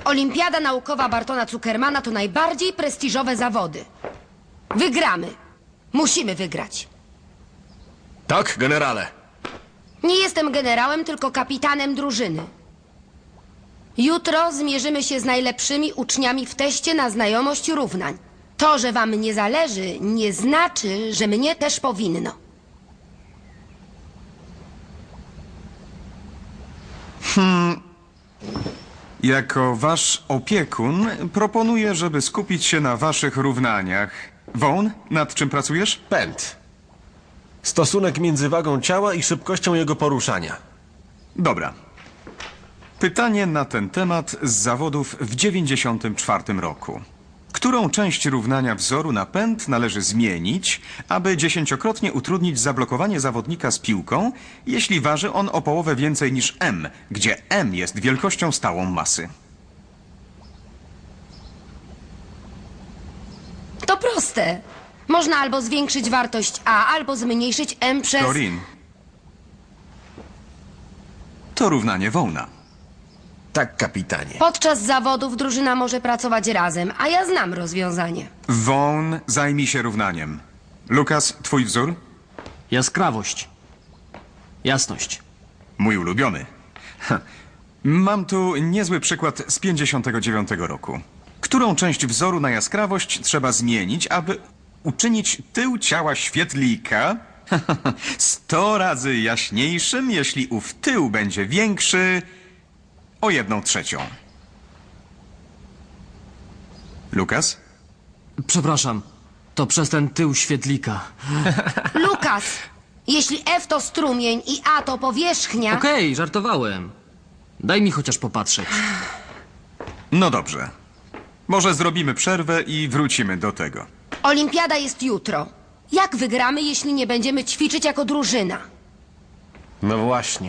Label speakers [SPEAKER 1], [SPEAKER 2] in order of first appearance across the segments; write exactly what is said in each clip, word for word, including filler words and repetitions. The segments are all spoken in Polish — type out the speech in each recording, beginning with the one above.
[SPEAKER 1] Olimpiada Naukowa Bartona Zuckermana to najbardziej prestiżowe zawody. Wygramy. Musimy wygrać.
[SPEAKER 2] Tak, generale.
[SPEAKER 1] Nie jestem generałem, tylko kapitanem drużyny. Jutro zmierzymy się z najlepszymi uczniami w teście na znajomość równań. To, że wam nie zależy, nie znaczy, że mnie też powinno.
[SPEAKER 3] Jako wasz opiekun proponuję, żeby skupić się na waszych równaniach. Vaughn, nad czym pracujesz?
[SPEAKER 2] Pęd. Stosunek między wagą ciała i szybkością jego poruszania.
[SPEAKER 3] Dobra. Pytanie na ten temat z zawodów w dziewięćdziesiątym czwartym roku. Którą część równania wzoru na pęd należy zmienić, aby dziesięciokrotnie utrudnić zablokowanie zawodnika z piłką, jeśli waży on o połowę więcej niż m, gdzie m jest wielkością stałą masy?
[SPEAKER 1] To proste. Można albo zwiększyć wartość A, albo zmniejszyć M przez...
[SPEAKER 3] Corinne. To równanie Vaughna.
[SPEAKER 2] Tak, kapitanie.
[SPEAKER 1] Podczas zawodów drużyna może pracować razem, a ja znam rozwiązanie.
[SPEAKER 3] Vaughn, zajmij się równaniem. Lukas, twój wzór?
[SPEAKER 4] Jaskrawość. Jasność.
[SPEAKER 3] Mój ulubiony. Ha. Mam tu niezły przykład z pięćdziesiątego dziewiątego roku. Którą część wzoru na jaskrawość trzeba zmienić, aby uczynić tył ciała świetlika sto razy jaśniejszym, jeśli ów tył będzie większy o jedną trzecią? Lukas?
[SPEAKER 4] Przepraszam. To przez ten tył świetlika.
[SPEAKER 1] Lukas, jeśli F to strumień i A to powierzchnia...
[SPEAKER 4] Okej, żartowałem. Daj mi chociaż popatrzeć.
[SPEAKER 3] No dobrze. Może zrobimy przerwę i wrócimy do tego.
[SPEAKER 1] Olimpiada jest jutro. Jak wygramy, jeśli nie będziemy ćwiczyć jako drużyna?
[SPEAKER 2] No właśnie.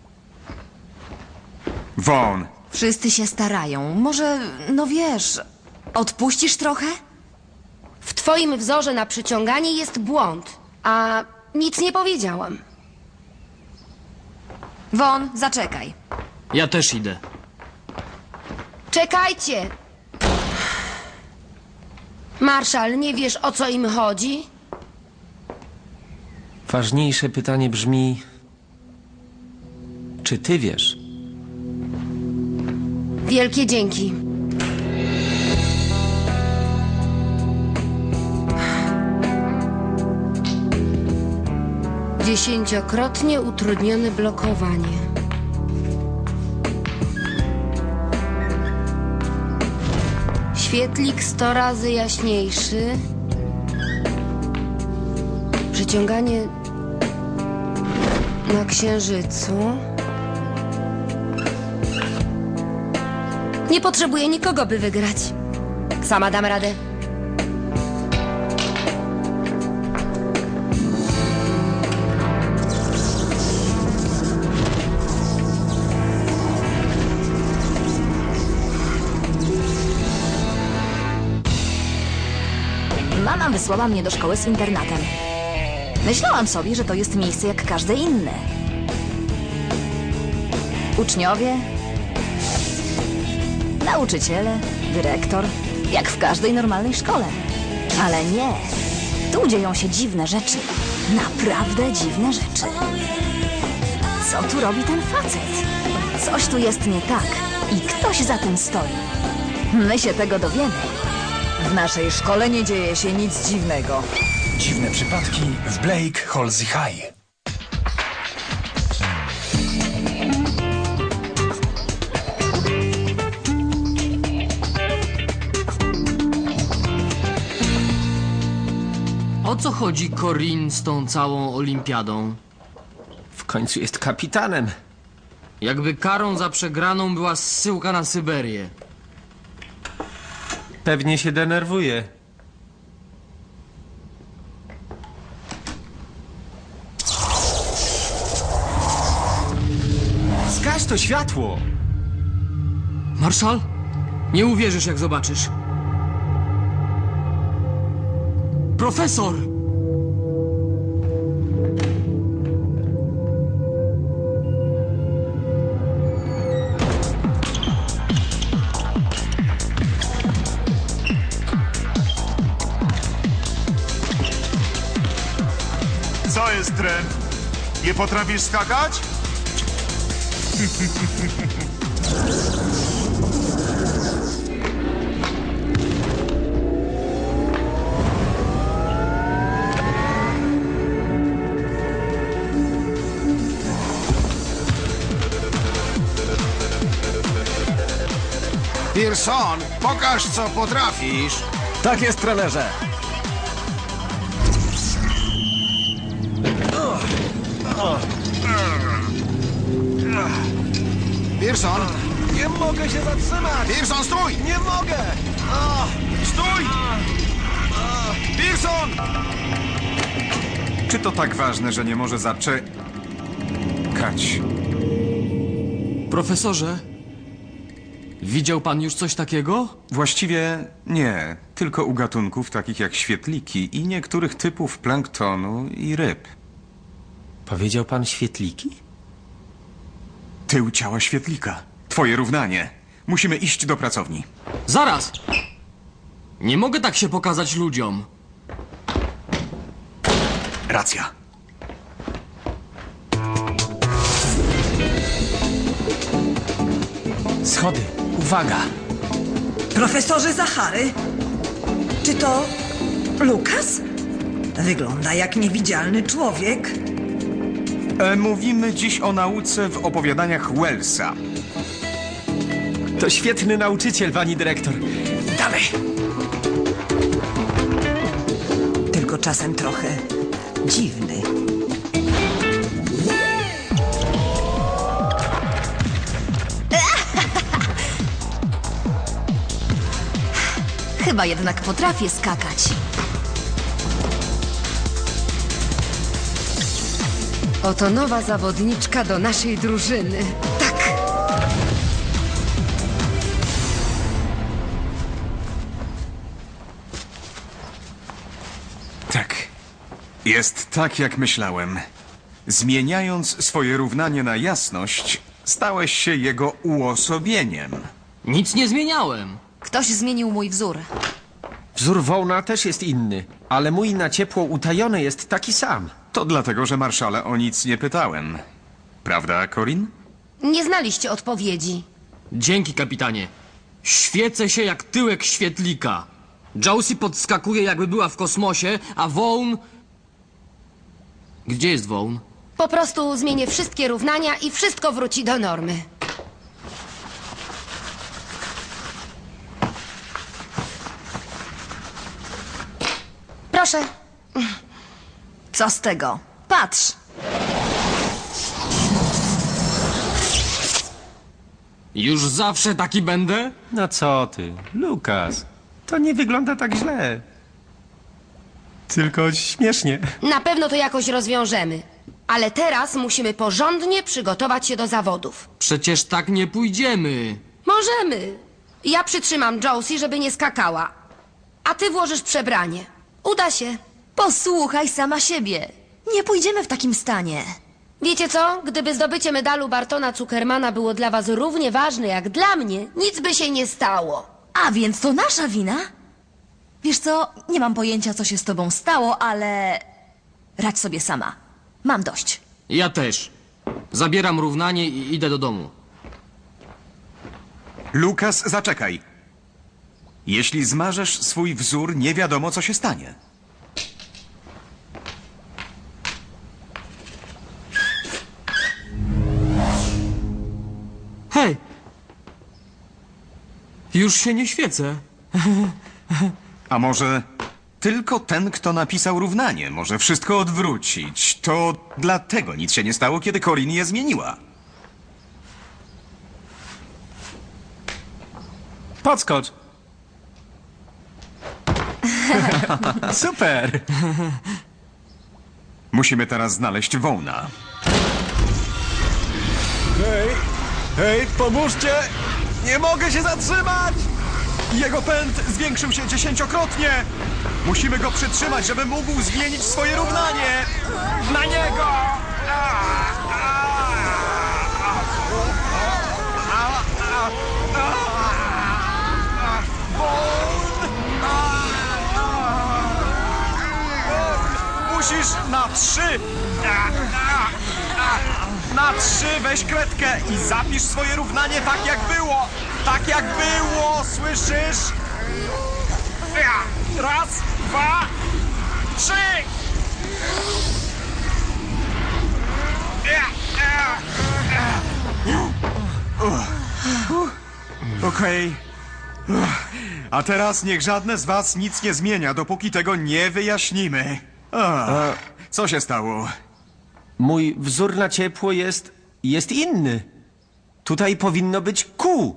[SPEAKER 3] Vaughn,
[SPEAKER 5] Wszyscy się starają. Może, no wiesz, odpuścisz trochę?
[SPEAKER 1] W twoim wzorze na przyciąganie jest błąd, a nic nie powiedziałam.
[SPEAKER 5] Won, zaczekaj.
[SPEAKER 4] Ja też idę.
[SPEAKER 1] Czekajcie! Marszal, nie wiesz, o co im chodzi?
[SPEAKER 6] Ważniejsze pytanie brzmi: czy ty wiesz?
[SPEAKER 1] Wielkie dzięki. Dziesięciokrotnie utrudnione blokowanie. Świetlik sto razy jaśniejszy. Przyciąganie na księżycu. Nie potrzebuję nikogo, by wygrać. Sama dam radę.
[SPEAKER 5] Mama wysłała mnie do szkoły z internatem. Myślałam sobie, że to jest miejsce jak każde inne. Uczniowie, nauczyciele, dyrektor, jak w każdej normalnej szkole. Ale nie. Tu dzieją się dziwne rzeczy. Naprawdę dziwne rzeczy. Co tu robi ten facet? Coś tu jest nie tak i ktoś za tym stoi. My się tego dowiemy. W naszej szkole nie dzieje się nic dziwnego.
[SPEAKER 7] Dziwne przypadki w Blake Halsey High.
[SPEAKER 4] O co chodzi Corinne z tą całą olimpiadą?
[SPEAKER 6] W końcu jest kapitanem.
[SPEAKER 4] Jakby karą za przegraną była zsyłka na Syberię.
[SPEAKER 6] Pewnie się denerwuje.
[SPEAKER 7] Zgaś to światło!
[SPEAKER 4] Marszal? Nie uwierzysz, jak zobaczysz. Profesor!
[SPEAKER 8] Co jest, Trent? Nie potrafisz skakać?
[SPEAKER 9] Pearson, pokaż co potrafisz.
[SPEAKER 2] Tak jest, trenerze.
[SPEAKER 9] Pearson,
[SPEAKER 2] Nie mogę się zatrzymać!
[SPEAKER 9] Pearson, stój!
[SPEAKER 2] Nie mogę!
[SPEAKER 9] Stój! Pearson!
[SPEAKER 3] Czy to tak ważne, że nie może zaczekać?
[SPEAKER 4] Profesorze, widział pan już coś takiego?
[SPEAKER 3] Właściwie nie, tylko u gatunków takich jak świetliki i niektórych typów planktonu i ryb.
[SPEAKER 6] Powiedział pan świetliki?
[SPEAKER 3] Tył ciała świetlika. Twoje równanie. Musimy iść do pracowni.
[SPEAKER 4] Zaraz! Nie mogę tak się pokazać ludziom.
[SPEAKER 3] Racja.
[SPEAKER 6] Schody. Uwaga!
[SPEAKER 10] Profesorze Zachary? Czy to Lukas? Wygląda jak niewidzialny człowiek.
[SPEAKER 3] E, mówimy dziś o nauce w opowiadaniach Wellsa.
[SPEAKER 6] To świetny nauczyciel, pani dyrektor. Dalej!
[SPEAKER 10] Tylko czasem trochę dziwny.
[SPEAKER 5] Chyba jednak potrafię skakać.
[SPEAKER 1] Oto nowa zawodniczka do naszej drużyny. Tak!
[SPEAKER 3] Tak. Jest tak, jak myślałem. Zmieniając swoje równanie na jasność, stałeś się jego uosobieniem.
[SPEAKER 4] Nic nie zmieniałem.
[SPEAKER 5] Ktoś zmienił mój wzór.
[SPEAKER 6] Wzór Wołna też jest inny, ale mój na ciepło utajony jest taki sam.
[SPEAKER 3] To dlatego, że marszale o nic nie pytałem. Prawda, Corin?
[SPEAKER 1] Nie znaliście odpowiedzi.
[SPEAKER 4] Dzięki, kapitanie. Świecę się jak tyłek świetlika. Josie podskakuje, jakby była w kosmosie, a Vaughn... Gdzie jest Vaughn?
[SPEAKER 1] Po prostu zmienię wszystkie równania i wszystko wróci do normy. Proszę.
[SPEAKER 5] Co z tego? Patrz!
[SPEAKER 4] Już zawsze taki będę?
[SPEAKER 6] No co ty, Lukas? To nie wygląda tak źle. Tylko śmiesznie.
[SPEAKER 1] Na pewno to jakoś rozwiążemy. Ale teraz musimy porządnie przygotować się do zawodów.
[SPEAKER 4] Przecież tak nie pójdziemy.
[SPEAKER 1] Możemy. Ja przytrzymam Josie, żeby nie skakała. A ty włożysz przebranie. Uda się.
[SPEAKER 5] Posłuchaj sama siebie. Nie pójdziemy w takim stanie.
[SPEAKER 1] Wiecie co? Gdyby zdobycie medalu Bartona Zuckermana było dla was równie ważne jak dla mnie, nic by się nie stało.
[SPEAKER 5] A więc to nasza wina? Wiesz co, nie mam pojęcia, co się z tobą stało, ale... Radź sobie sama. Mam dość.
[SPEAKER 4] Ja też. Zabieram równanie i idę do domu.
[SPEAKER 3] Lukas, zaczekaj. Jeśli zmarzesz swój wzór, nie wiadomo, co się stanie.
[SPEAKER 4] Hej! Już się nie świecę.
[SPEAKER 3] A może tylko ten, kto napisał równanie, może wszystko odwrócić. To dlatego nic się nie stało, kiedy Corin je zmieniła.
[SPEAKER 6] Podskocz. Super.
[SPEAKER 3] Musimy teraz znaleźć Vaughna.
[SPEAKER 2] Hej, hej, pomóżcie! Nie mogę się zatrzymać! Jego pęd zwiększył się dziesięciokrotnie! Musimy go przytrzymać, żeby mógł zmienić swoje równanie! Na niego! Musisz na trzy. Na trzy weź kredkę i zapisz swoje równanie tak jak było. Tak jak było, słyszysz? Raz, dwa, trzy. Okej. A teraz niech żadne z was nic nie zmienia, dopóki tego nie wyjaśnimy. Ach, co się stało?
[SPEAKER 6] Mój wzór na ciepło jest... jest inny. Tutaj powinno być Q.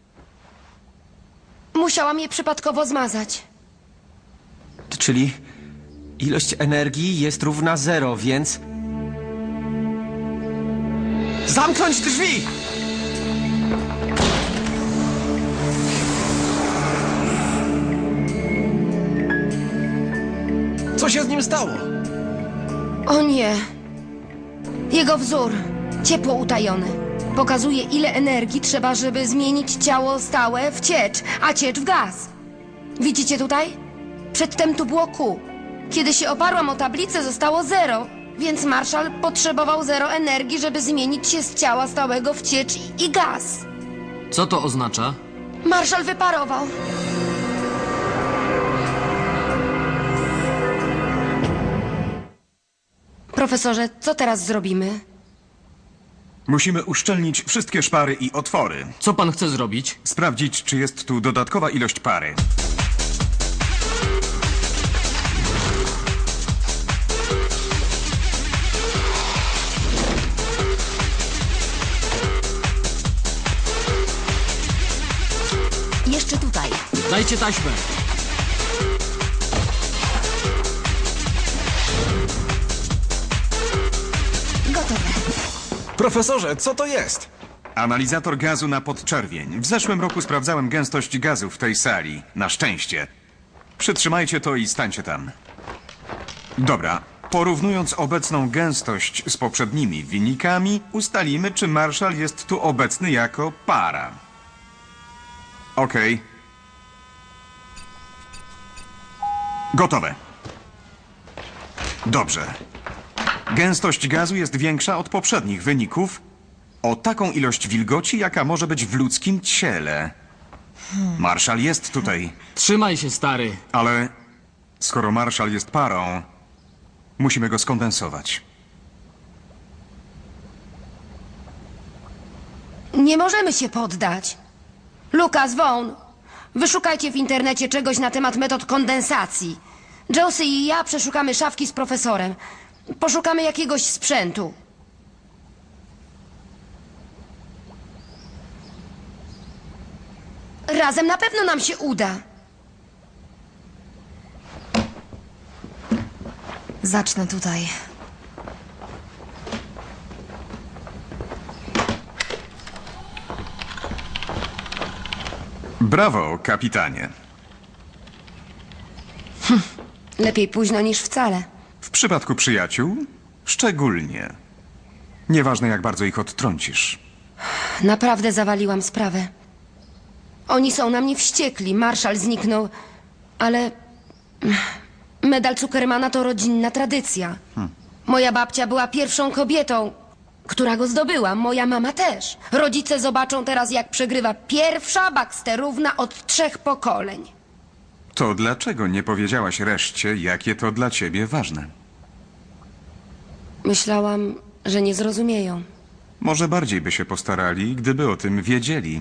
[SPEAKER 1] Musiałam je przypadkowo zmazać.
[SPEAKER 6] Czyli ilość energii jest równa zero, więc... Zamknąć drzwi!
[SPEAKER 7] Co się z nim stało?
[SPEAKER 1] O nie. Jego wzór, ciepło utajone, pokazuje, ile energii trzeba, żeby zmienić ciało stałe w ciecz, a ciecz w gaz. Widzicie tutaj? Przedtem tu było Q. Kiedy się oparłam o tablicę, zostało zero, więc Marshall potrzebował zero energii, żeby zmienić się z ciała stałego w ciecz i, i gaz.
[SPEAKER 4] Co to oznacza?
[SPEAKER 1] Marshall wyparował. Profesorze, co teraz zrobimy?
[SPEAKER 3] Musimy uszczelnić wszystkie szpary i otwory.
[SPEAKER 4] Co pan chce zrobić?
[SPEAKER 3] Sprawdzić, czy jest tu dodatkowa ilość pary.
[SPEAKER 5] Jeszcze tutaj.
[SPEAKER 4] Dajcie taśmę.
[SPEAKER 5] Gotowe.
[SPEAKER 7] Profesorze, co to jest?
[SPEAKER 3] Analizator gazu na podczerwień. W zeszłym roku sprawdzałem gęstość gazu w tej sali. Na szczęście. Przytrzymajcie to i stańcie tam. Dobra. Porównując obecną gęstość z poprzednimi wynikami, ustalimy, czy Marshall jest tu obecny jako para. Okej. Gotowe. Dobrze. Gęstość gazu jest większa od poprzednich wyników o taką ilość wilgoci, jaka może być w ludzkim ciele. Marshall jest tutaj,
[SPEAKER 4] Trzymaj się, stary.
[SPEAKER 3] ale skoro Marshall jest parą, musimy go skondensować.
[SPEAKER 1] Nie możemy się poddać. Lucas, Vaughn, wyszukajcie w internecie czegoś na temat metod kondensacji. Josie i ja przeszukamy szafki z profesorem. Poszukamy jakiegoś sprzętu. Razem na pewno nam się uda.
[SPEAKER 5] Zacznę tutaj.
[SPEAKER 3] Brawo, kapitanie.
[SPEAKER 1] Lepiej późno niż wcale.
[SPEAKER 3] W przypadku przyjaciół szczególnie. Nieważne, jak bardzo ich odtrącisz.
[SPEAKER 1] Naprawdę zawaliłam sprawę. Oni są na mnie wściekli. Marshall zniknął, ale medal Zuckermana to rodzinna tradycja. Moja babcia była pierwszą kobietą, która go zdobyła. Moja mama też. Rodzice zobaczą teraz, jak przegrywa pierwsza Baxterówna od trzech pokoleń.
[SPEAKER 3] To dlaczego nie powiedziałaś reszcie, jakie to dla ciebie ważne?
[SPEAKER 1] Myślałam, że nie zrozumieją.
[SPEAKER 3] Może bardziej by się postarali, gdyby o tym wiedzieli.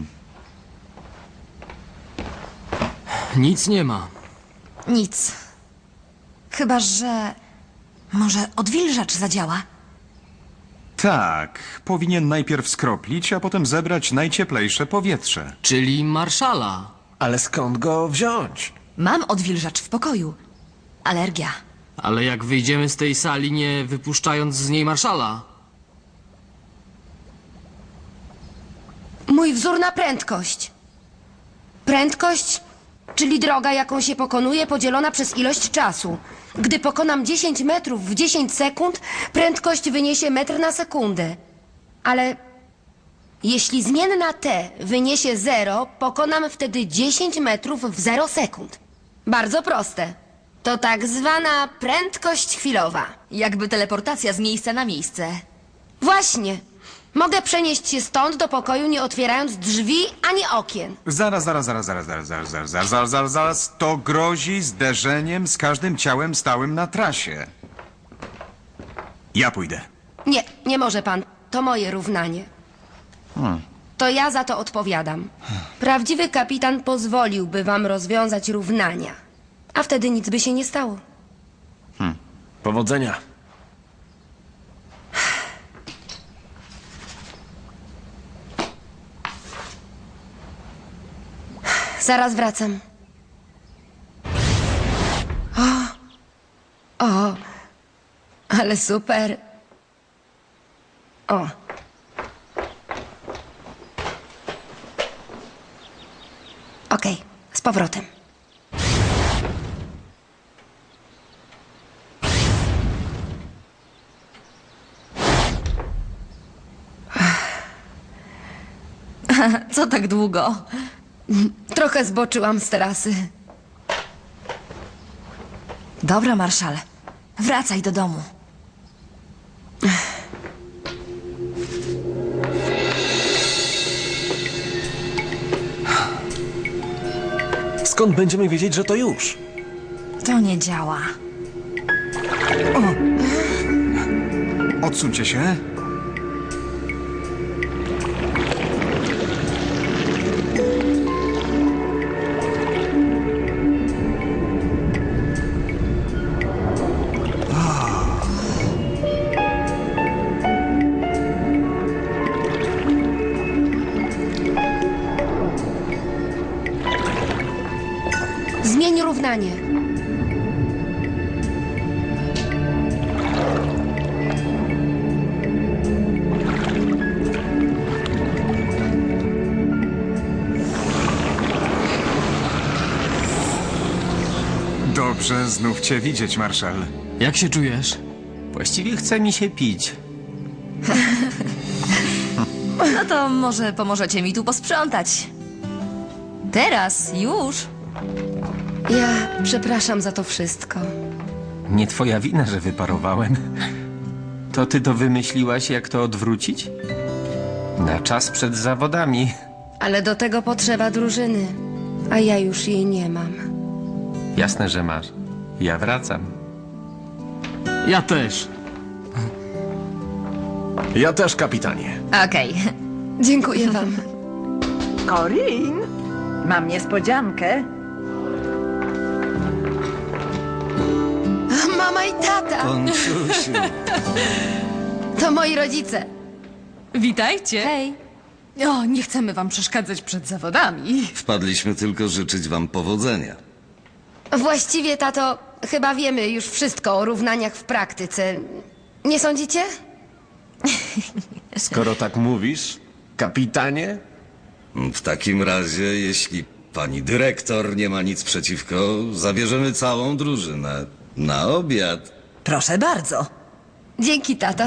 [SPEAKER 4] Nic nie ma.
[SPEAKER 5] Nic. Chyba, że... Może odwilżacz zadziała?
[SPEAKER 3] Tak, powinien najpierw skroplić, a potem zebrać najcieplejsze powietrze.
[SPEAKER 4] Czyli Marszala.
[SPEAKER 7] Ale skąd go wziąć?
[SPEAKER 5] Mam odwilżacz w pokoju. Alergia.
[SPEAKER 4] Ale jak wyjdziemy z tej sali, nie wypuszczając z niej Marszala?
[SPEAKER 1] Mój wzór na prędkość. Prędkość, czyli droga, jaką się pokonuje, podzielona przez ilość czasu. Gdy pokonam dziesięć metrów w dziesięć sekund, prędkość wyniesie metr na sekundę. Ale jeśli zmienna t wyniesie zero, pokonam wtedy dziesięć metrów w zero sekund. Bardzo proste. To tak zwana prędkość chwilowa.
[SPEAKER 5] Jakby teleportacja z miejsca na miejsce.
[SPEAKER 1] Właśnie. Mogę przenieść się stąd do pokoju, nie otwierając drzwi ani okien.
[SPEAKER 3] Zaraz, zaraz, zaraz, zaraz, zaraz, zaraz, zaraz, zaraz, zaraz, zaraz, zaraz. To grozi zderzeniem z każdym ciałem stałym na trasie. Ja pójdę.
[SPEAKER 1] Nie, nie może pan. To moje równanie. To ja za to odpowiadam. Prawdziwy kapitan pozwoliłby wam rozwiązać równania. A wtedy nic by się nie stało.
[SPEAKER 6] Powodzenia.
[SPEAKER 1] Zaraz wracam. O! O! Ale super. O! Okej, z powrotem.
[SPEAKER 5] Co tak długo?
[SPEAKER 1] Trochę zboczyłam z trasy.
[SPEAKER 5] Dobra, Marszal. Wracaj do domu.
[SPEAKER 6] Skąd będziemy wiedzieć, że to już?
[SPEAKER 5] To nie działa.
[SPEAKER 3] Odsuńcie się.
[SPEAKER 1] Zmień równanie.
[SPEAKER 3] Dobrze znów cię widzieć, Marszal.
[SPEAKER 4] Jak się czujesz?
[SPEAKER 6] Właściwie chce mi się pić.
[SPEAKER 5] No to może pomożecie mi tu posprzątać. Teraz, już.
[SPEAKER 1] Ja przepraszam za to wszystko.
[SPEAKER 6] Nie twoja wina, że wyparowałem. To ty to wymyśliłaś, jak to odwrócić? Na czas przed zawodami.
[SPEAKER 1] Ale do tego potrzeba drużyny. A ja już jej nie mam.
[SPEAKER 6] Jasne, że masz. Ja wracam.
[SPEAKER 4] Ja też.
[SPEAKER 2] Ja też, kapitanie.
[SPEAKER 5] Okej.
[SPEAKER 1] Dziękuję wam.
[SPEAKER 10] Corin, mam niespodziankę.
[SPEAKER 1] Mama i tata.
[SPEAKER 9] Ponczusiu.
[SPEAKER 1] To moi rodzice.
[SPEAKER 11] Witajcie.
[SPEAKER 5] Hej.
[SPEAKER 11] O, nie chcemy wam przeszkadzać przed zawodami.
[SPEAKER 9] Wpadliśmy tylko życzyć wam powodzenia.
[SPEAKER 1] Właściwie, tato, chyba wiemy już wszystko o równaniach w praktyce. Nie sądzicie?
[SPEAKER 6] Skoro tak mówisz, kapitanie,
[SPEAKER 9] W takim razie, jeśli pani dyrektor nie ma nic przeciwko, zabierzemy całą drużynę na obiad.
[SPEAKER 10] Proszę bardzo.
[SPEAKER 1] Dzięki, tato.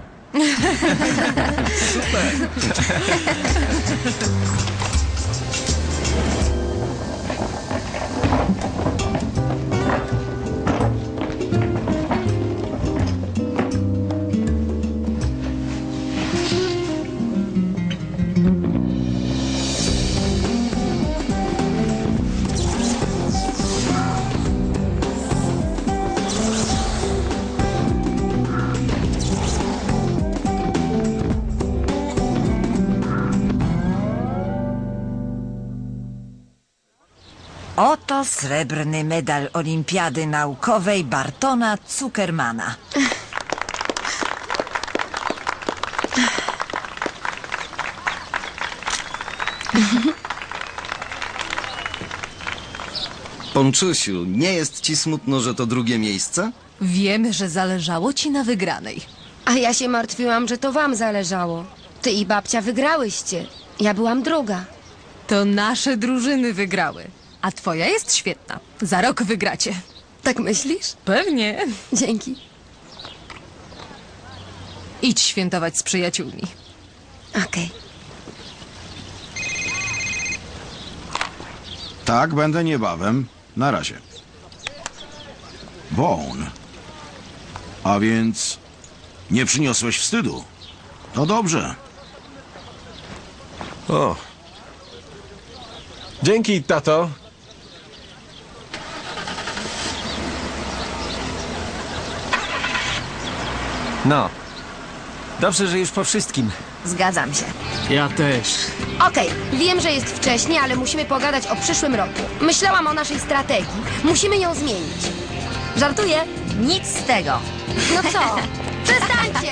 [SPEAKER 10] Oto srebrny medal Olimpiady Naukowej Bartona Zuckermana.
[SPEAKER 9] Ponczusiu, nie jest ci smutno, że to drugie miejsce?
[SPEAKER 11] Wiemy, że zależało ci na wygranej.
[SPEAKER 1] A ja się martwiłam, że to wam zależało. Ty i babcia wygrałyście. Ja byłam druga.
[SPEAKER 11] To nasze drużyny wygrały. A twoja jest świetna. Za rok wygracie.
[SPEAKER 1] Tak myślisz?
[SPEAKER 11] Pewnie.
[SPEAKER 1] Dzięki.
[SPEAKER 11] Idź świętować z przyjaciółmi.
[SPEAKER 1] Okej.
[SPEAKER 9] Tak, będę niebawem. Na razie.
[SPEAKER 12] Vaughn. A więc nie przyniosłeś wstydu. To dobrze.
[SPEAKER 13] O. Dzięki, tato.
[SPEAKER 6] No. Dobrze, że już po wszystkim.
[SPEAKER 1] Zgadzam się.
[SPEAKER 4] Ja też.
[SPEAKER 1] Okej, wiem, że jest wcześnie, ale musimy pogadać o przyszłym roku. Myślałam o naszej strategii. Musimy ją zmienić. Żartuję?
[SPEAKER 5] Nic z tego.
[SPEAKER 1] No co? Przestańcie!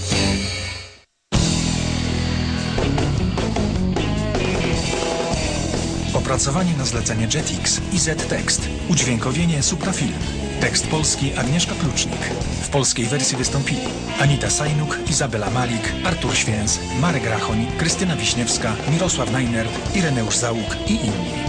[SPEAKER 7] Opracowanie na zlecenie Jetix i Z-Tekst. Udźwiękowienie Suprafilm. Tekst polski Agnieszka Klucznik. W polskiej wersji wystąpili Anita Sajnuk, Izabela Malik, Artur Święc, Marek Rachoń, Krystyna Wiśniewska, Mirosław Najner, Ireneusz Załuk i inni.